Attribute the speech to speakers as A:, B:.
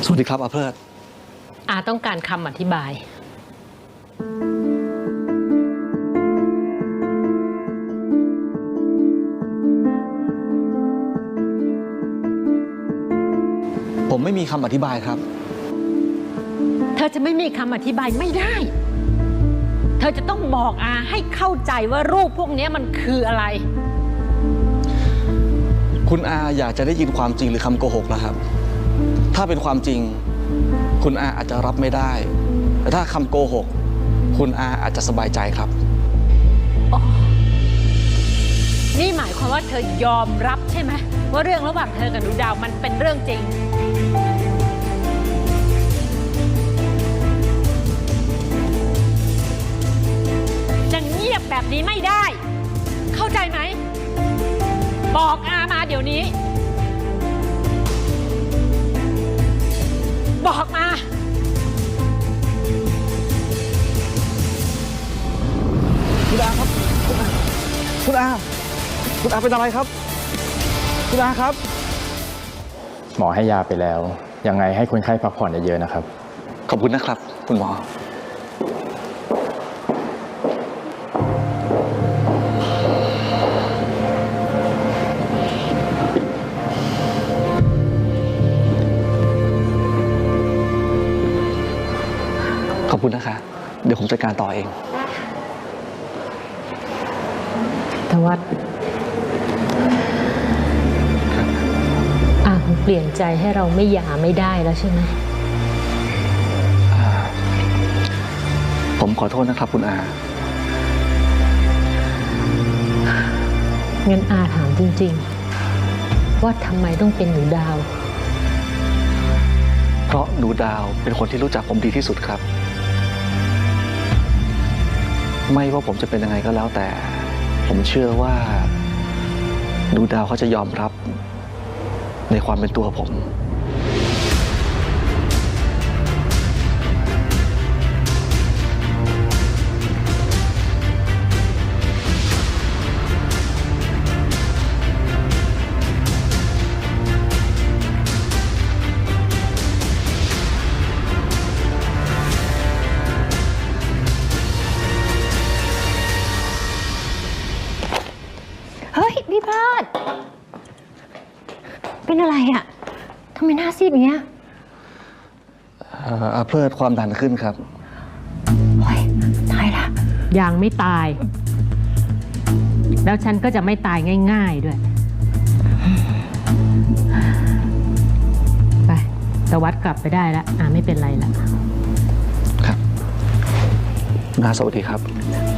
A: วัสดีครับอาเพลิด
B: อาต้องการคำอธิบาย
A: ผมไม่มีคำอธิบายครับ
B: เธอจะไม่มีคำอธิบายไม่ได้เธอจะต้องบอกอาให้เข้าใจว่ารูปพวกนี้มันคืออะไร
A: คุณอาอยากจะได้ยินความจริงหรือคำโกหกล่ะครับถ้าเป็นความจริงคุณอาอาจจะรับไม่ได้แต่ถ้าคำโกหกคุณอาอาจจะสบายใจครับ
B: นี่หมายความว่าเธอยอมรับใช่ไหมว่าเรื่องระหว่างเธอกับหนูดาวมันเป็นเรื่องจริงจะเงียบแบบนี้ไม่ได้เข้าใจไหมบอกอามาเดี๋ยวนี้บอกมา
A: คุณอาครับคุณอาเป็นอะไรครับคุณอาครับ
C: หมอให้ยาไปแล้วยังไงให้คนไข้พักผ่อนเยอะๆนะครับ
A: ขอบคุณนะครับคุณหมอขอบคุณนะคะเดี๋ยวผมจัดการต่อเอง
B: ทวัฒน์คงเปลี่ยนใจให้เราไม่หย่าไม่ได้แล้วใช่ไหม
A: ผมขอโทษนะครับคุณอา
B: งั้นอาถามจริงๆว่าทำไมต้องเป็นหนูดาว
A: เพราะหนูดาวเป็นคนที่รู้จักผมดีที่สุดครับไม่ว่าผมจะเป็นยังไงก็แล้วแต่ผมเชื่อว่าหนูดาวเขาจะยอมรับในความเป็นตัวผม
D: เฮ้ยพี่พลาดเป็นอะไรอะทำไมหน้าซีดอย่างเงี้ย
A: เพลิดความดันขึ้นครับ
D: โอ้ยตายละ
B: ยังไม่ตายแล้วฉันก็จะไม่ตายง่ายๆด้วยไปตวัดกลับไปได้แล้วไม่เป็นไรแล้ว
A: ครับนาสวัสดีครับ